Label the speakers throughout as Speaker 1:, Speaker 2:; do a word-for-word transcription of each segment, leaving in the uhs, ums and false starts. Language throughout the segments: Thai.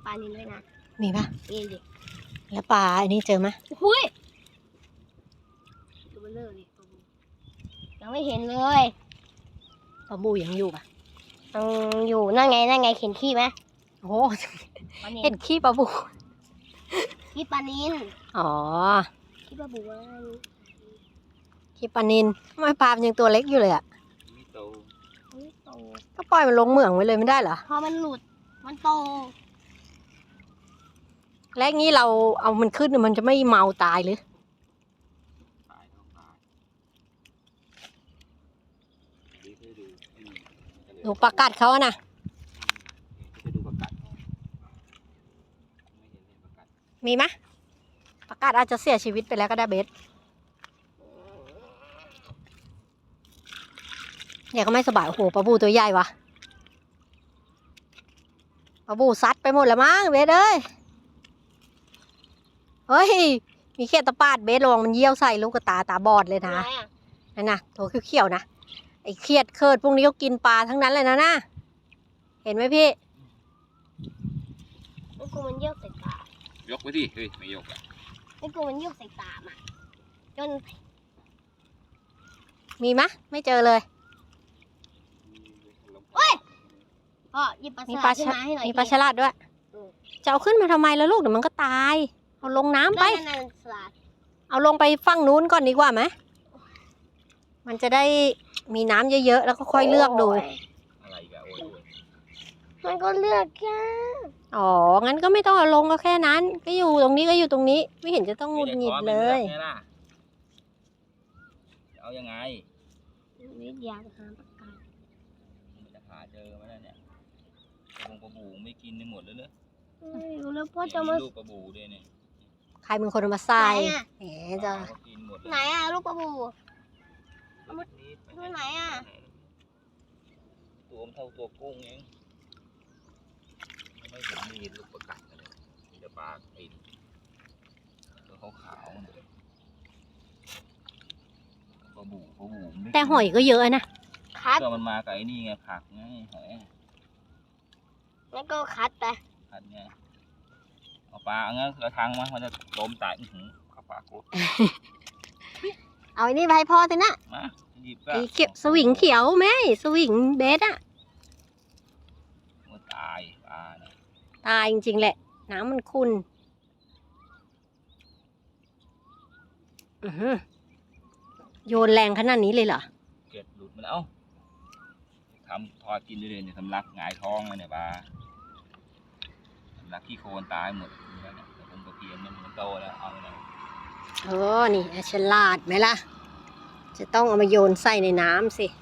Speaker 1: ปลานิลด้วยนะ
Speaker 2: มีปะ
Speaker 1: มีดิ
Speaker 2: แล้วปลาอันนี้เจอไหม
Speaker 1: หุ้ยตัวเบลอเลยยังไม่เห็นเลย
Speaker 2: ปลาบูยังอยู่ปะ
Speaker 1: ยังอยู่นั่นไงนั่นไงเห็นขี้ไหม
Speaker 2: โอ้เห็นขี้ปลาบู
Speaker 1: ขี้ปลานิล
Speaker 2: อ๋อ
Speaker 1: ขี้ปลาบู
Speaker 2: ขี้ปลานิลทำไมปลามันยังตัวเล็กอยู่เลยอ่ะ
Speaker 3: ไม่โต
Speaker 1: ไม่โต
Speaker 2: ก็ปล่อยมันลงเหมืองไว้เลยไม่ได้เหรอ
Speaker 1: พอมันหลุดมันโต
Speaker 2: แล้วงี้เราเอามันขึ้นมันจะไม่เมาตายหรือ
Speaker 3: ตายต้องตาย
Speaker 2: ดูปลากัดเขาอะนะ
Speaker 3: จะดูประกัดไม่เห็นเลยประกัด
Speaker 2: มีไหมปลากัดอาจจะเสียชีวิตไปแล้วก็ได้เบสเนี่ยก็ไม่สบายโอ้โหปลาบูตัวใหญ่วะปลาบูซัดไปหมดแล้วมั้งเบสเอ้ยเฮ้ยมีแค่ตะปาดเบสระวังมันเยี่ยวใส่ลูกตาตาบอดเลยนะนั่นนะโถเขียวๆนะไอ้เครียดเคิดพวกนี้ก็กินปลาทั้งนั้นเลยนะนะเห็นไหมพี่
Speaker 1: ไอ้กูมันเยี่ยวใส่ตาย
Speaker 3: กไว้ดิเฮ้ยไม่ยกอ่ะ
Speaker 1: ไอ้กูมันเยี่ยวใส่ตามาจน
Speaker 2: มีมะไม่เจอเลย
Speaker 1: เฮ้ยพ่อหยิบปลาฉลาดขึ้นมาให้หน่อย
Speaker 2: มีปลาฉลาดด้วยจะเอาขึ้นมาทำไมแล้วลูกเดี๋ยวมันก็ตายเอาลงน้ำไปเอาลงไปฝั่งนู้นก่อนดีกว่าไหมมันจะได้มีน้ำเยอะๆแล้วก็ค่อยเลือกดู
Speaker 3: อะไรกันโอ้ย
Speaker 1: มันก็เลือกแค่
Speaker 2: อ๋องั้นก็ไม่ต้องเอาลงก็แค่นั้นก็อยู่ตรงนี้ก็อยู่ตรงนี้ไม่เห็นจะต้องหงุดหงิดเลย
Speaker 3: เอายังไง
Speaker 1: วิทยาหาปลากัด
Speaker 3: มันจะหาเจอไหมเนี่ยลงปลาบูไม่กินในหมดเลยเนอะ
Speaker 1: แล้วพ่อจะมา
Speaker 3: ลูกปลาบูด้วยเนี่ย
Speaker 2: ใครเป็นคนเอามาใส่แหมจะ
Speaker 1: ไหนอ่ะลูกปลาบูตัวไหนอ่ะ
Speaker 3: ตัวมันเท่าตัวกุ้งเองไม่เห็นมีลูกประกัดเลยมีแต่ปลาไอ้ตัวขาวๆปลาบูปลาบู
Speaker 2: แต่หอยก็เยอะนะ
Speaker 1: คัด
Speaker 3: ก็มันมาไก่นี่ไงผักไงหอย
Speaker 1: แล้วก็คัดไป
Speaker 3: คัดไงเอาปลาเงี้ยกระทังมันมันจะล้มตายอื้อหือข้าปลาโคตร
Speaker 2: เอาอันนี้ไปพ่อสินะ
Speaker 3: มาหยิบก็
Speaker 2: ไอ้เขียวสวิงเขียวไหมสวิงเบสอะ
Speaker 3: มันตายปลาเนี่ย
Speaker 2: ตายจริงๆแหละน้ำมันขุ่นโยนแรงขนาดนี้เลยเหรอ
Speaker 3: เก็บหลุดมันเอาทำทอดกินได้เลยเนี่ยสำลักหงายท้องเลยเนี่ยปลาสำลักขี้โคลนตายหมดแล้วเนี่ยแต่ผมตะเพียนมันโตแล้วเอาเลย
Speaker 2: โอ้นี่ฉลาดไหมล่ะจะต้องเอามาโยนใส่ในน้ำสิ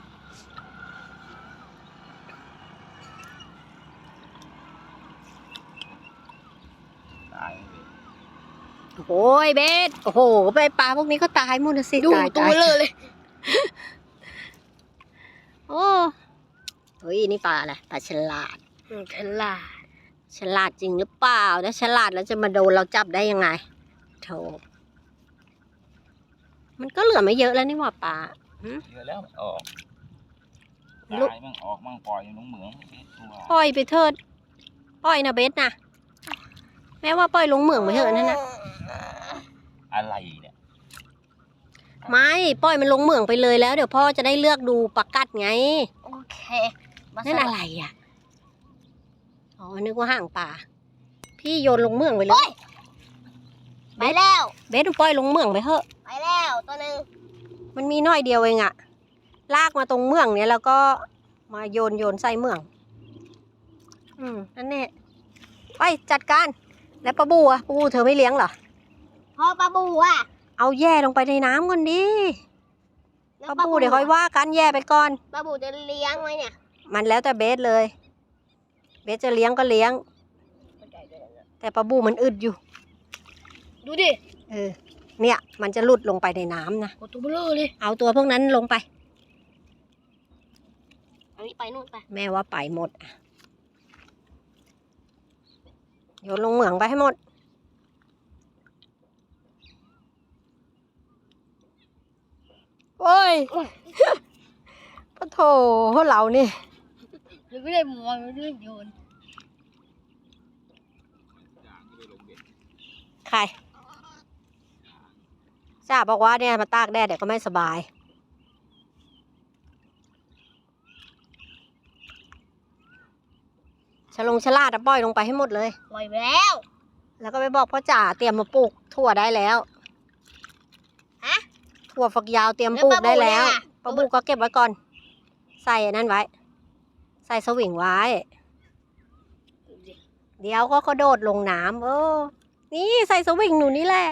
Speaker 3: ตาย
Speaker 2: โอ้ยเบสโอ้โหไปปลาพวกนี้ก็ตายหมดสิ
Speaker 1: ดูตัวเลยเลย
Speaker 2: โอ้เฮ้ยนี่ปลาอะไรปลาฉลาด
Speaker 1: ฉลาด
Speaker 2: ฉลาดจริงหรือเปล่าถ้าฉลาดแล้วจะมาโดนเราจับได้ยังไงโธ่มันก็เหลือไม่เยอะแล้วนี่หว่าปลา
Speaker 3: เยอะแล้วออกตายมั่งออกมั่งปล่อยลงเหมือง
Speaker 2: ปล่อยไปเถิดปล่อยนะเบสนะแม้ว่าปล่อยลงเหมืองไปเถอะนั่นนะ
Speaker 3: อะไรเนี่ย
Speaker 2: ไม่ปล่อยมันลงเหมืองไปเลยแล้วเดี๋ยวพ่อจะได้เลือกดูปลากัดไง
Speaker 1: โอเค
Speaker 2: นั่นอะไรอ่ะอ๋อนึกว่าห่างปลาพี่โยนลงเหมืองไปเลย
Speaker 1: ไปแล้ว
Speaker 2: เบสปล่อยลงเหมืองไปเถอะ
Speaker 1: ไปแล้วตัวนึง
Speaker 2: มันมีน้อยเดียวเองอะลากมาตรงเหมืองเนี้ยแล้วก็มาโยนโยนใส่เหมืองอืมนั่นแน่ไปจัดการแล้วปลาบูอะปลาบูเธอไม่เลี้ยงเหรอ
Speaker 1: พ่อปลาบูอะ
Speaker 2: เอาแย่ลงไปในน้ำก่อนดิปลาบูเดี๋ยวค่อยว่ากันแย่ไปก่อน
Speaker 1: ปลาบูจะเลี้ยงไหมเนี่ย
Speaker 2: มันแล้วแต่เบสเลยเบสจะเลี้ยงก็เลี้ยงแต่ปลาบูมันอึดอยู่
Speaker 1: ดูดิ
Speaker 2: เออเนี่ยมันจะหลุดลงไปในน้ำนะ
Speaker 1: ตัวเบลอเลย
Speaker 2: เอาตัวพวกนั้นลงไป
Speaker 1: อันนี้ไปนู่นไป
Speaker 2: แม่ว่าไปหมดโยนลงเหมืองไปให้หมดโอ้ยปะโถเรานี่
Speaker 1: ไม่ได้มองไม่ได้โยน
Speaker 2: ใครจ้าบอกว่าเนี่ยมาตากแดดเดี๋ยวก็ไม่สบายฉลงฉลาดอะปล่อยลงไปให้หมดเลย
Speaker 1: ปล่อยไปแล้ว
Speaker 2: แล้วก็ไปบอกพ่อจ๋าเตรียมมาปลูกถั่วได้แล้ว
Speaker 1: ฮะ
Speaker 2: ถั่วฝักยาวเตรียมปลูกได้แล้ว
Speaker 1: แล้ว
Speaker 2: ปลาบูก็เก็บไว้ก่อน ใส่อันนั้นไว้ ใส่สวิงไว้ เดี๋ยวก็กระโดดลงน้ำเออ นี่ใส่สวิงหนูนี่แหละ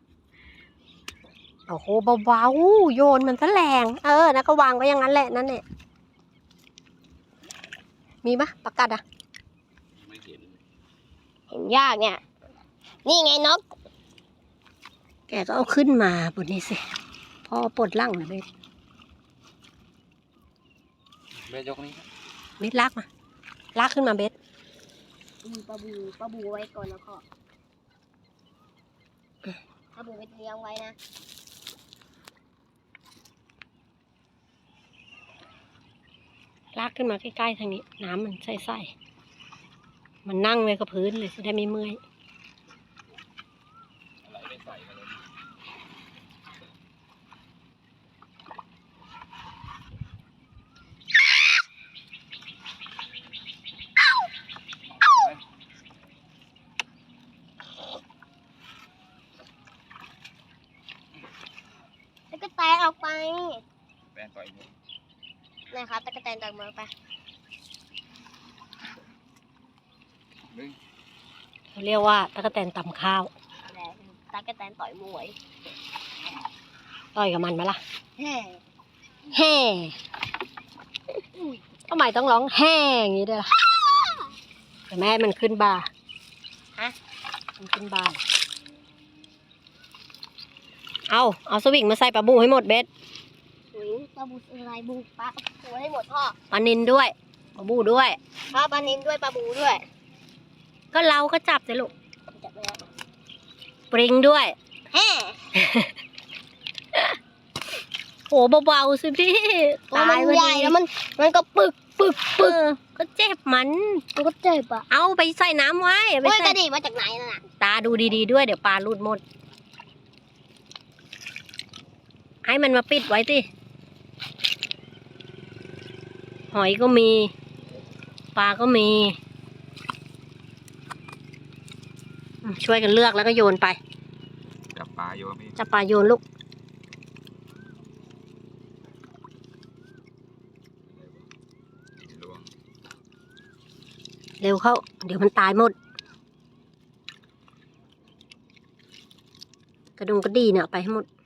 Speaker 2: โอ้โหเบาๆโยนมันซะแรงเออนะก็วางไว้อย่างนั้นแหละนั่นเนี่ยมีปะปลากัดอะ
Speaker 3: ไม่เห็น
Speaker 1: เห็นยากเนี่ย นี่ไงนก
Speaker 2: แกก็เอาขึ้นมาบนนี้สิพ่อปลดลั่งนะเบส
Speaker 3: เบสยกนี้
Speaker 2: เบสลากมาลากขึ้นมาเบส
Speaker 1: มีปลาบูปลาบูไว้ก่อนแล้วก็ปลาบูไปเลี้ยงไว้นะ
Speaker 2: ลากขึ้นมาใกล้ๆทางนี้ น้ำมันใสๆมันนั่งไว้กับพื้นเลยจะได้ไม่เมื่อย
Speaker 3: อะไรไม่ใส่มาเลย
Speaker 1: แล้วก็แตกออกไป
Speaker 3: แป้งต่อยมือ
Speaker 1: นะครับตะกะแตนจากเมืองไป
Speaker 3: หนึ่ง
Speaker 2: เขาเรียกว่าตะกแตนตำข้าว
Speaker 1: แล้วตะกะแตนต่อยมวย
Speaker 2: ต่อยกับมันไหมล่ะ
Speaker 1: แฮ่
Speaker 2: แห่ทำไมต้องร้องแห่อย่างนี้ด้วยล่ะแต่แม่ให้มันขึ้นบาร์
Speaker 1: ฮะ
Speaker 2: มันขึ้นบาร์เอาเอาสวิงมาใส่ปลาบูให้หมดเบส
Speaker 1: หุยปลาบูอะไรบูปลาบูให้หมดพ่อ
Speaker 2: ปลานินด้วยปลาบูด้วย
Speaker 1: พ่อปลานินด้วยปลาบูด้วย
Speaker 2: ก็เราก็จับสิลูก
Speaker 1: จับไปแล้ว
Speaker 2: ปริงด้วย
Speaker 1: แฮ่
Speaker 2: โหเบาๆสิพี่
Speaker 1: ตัวมัน
Speaker 2: พอ
Speaker 1: ใหญ่
Speaker 2: ดี
Speaker 1: แล้วมันมันก็ปึกปึก
Speaker 2: เออก็เจ็บมัน
Speaker 1: มันก็เจ็บอ่ะ
Speaker 2: เอาไปใส่น้ำไว้เอาไป
Speaker 1: เฮ้ยก
Speaker 2: ใส่
Speaker 1: ระดิ่งมาจากไหนน่ะน่ะ
Speaker 2: ตาดูดีๆด้วยเดี๋ยวปลาหลุดหมด ให้มันมาปิดไว้สิหอยก็มี ปลาก็มีอืมช่วยกันเลือกแล้วก็โยนไป
Speaker 3: จับปลาโยนพี่
Speaker 2: จับปลาโยนลูก
Speaker 3: ลวง
Speaker 2: เร็วเข้า เดี๋ยวมันตายหมด กระดงกระดีเนี่ยเอาไปให้หมด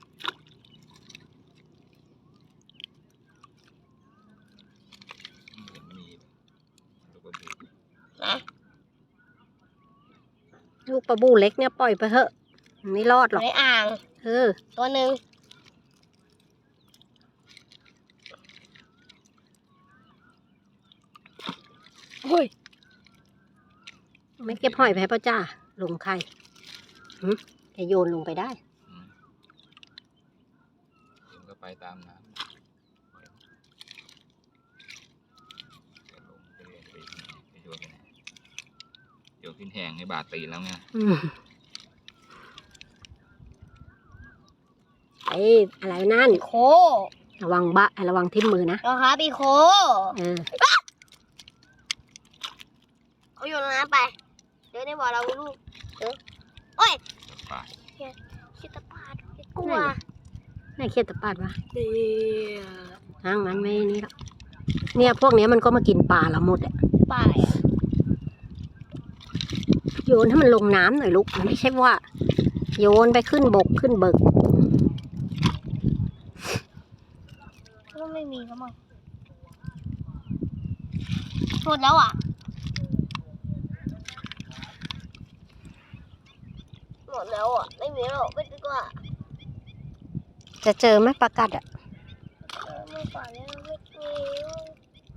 Speaker 3: เห็นมีลูกกระดูก
Speaker 1: นะ
Speaker 2: ลูกปลาบูเล็กเนี่ยปล่อยไปเถอะมันไม่รอดหรอก
Speaker 1: ในอ่าง
Speaker 2: เออ
Speaker 1: ตัวหนึ่ง
Speaker 2: เฮ้ย ไม่เก็บหอยไปให้พ่อจ้า ลงใครหึจะโยนลงไปได้
Speaker 3: อืมเดี๋ยวก็ไปตามน้ำจะลงจะเรียนไปไปโยนไปไหนโยนขึ้นแหงให้บาดตีนแล้วไง
Speaker 2: อืมไอ้อะไรนั่น
Speaker 1: โค
Speaker 2: ระวังบะระวังทิ่มมือนะ
Speaker 1: นะครับอีโค
Speaker 2: เออ
Speaker 1: เอาโยนลงน้ำไป เดี๋ยวในบ่อเราลูกเออโอ้ย
Speaker 3: จับปลา
Speaker 1: ชิตาปาดกลัว
Speaker 2: ไหนเขียดตะปาดวะ
Speaker 1: เดี๋ยว
Speaker 2: ทางนั้นไม่นี่หรอกเนี่ยพวกเนี้ยมันก็มากินปลาเราหมดอะ
Speaker 1: ปลาอะไรอ่ะ
Speaker 2: โยนให้มันลงน้ำหน่อยลูกมันไม่ใช่ว่า โยนไปขึ้นบกขึ้นเบิก
Speaker 1: ก็ไม่มีแล้วมั้งหมดแล้วอ่ะหมดแล้วอ่ะไม่มีแล้วไม่ดีกว่า
Speaker 2: จะเจอไหมปลากัดอะ
Speaker 1: เออไม่ปลาเนี่ย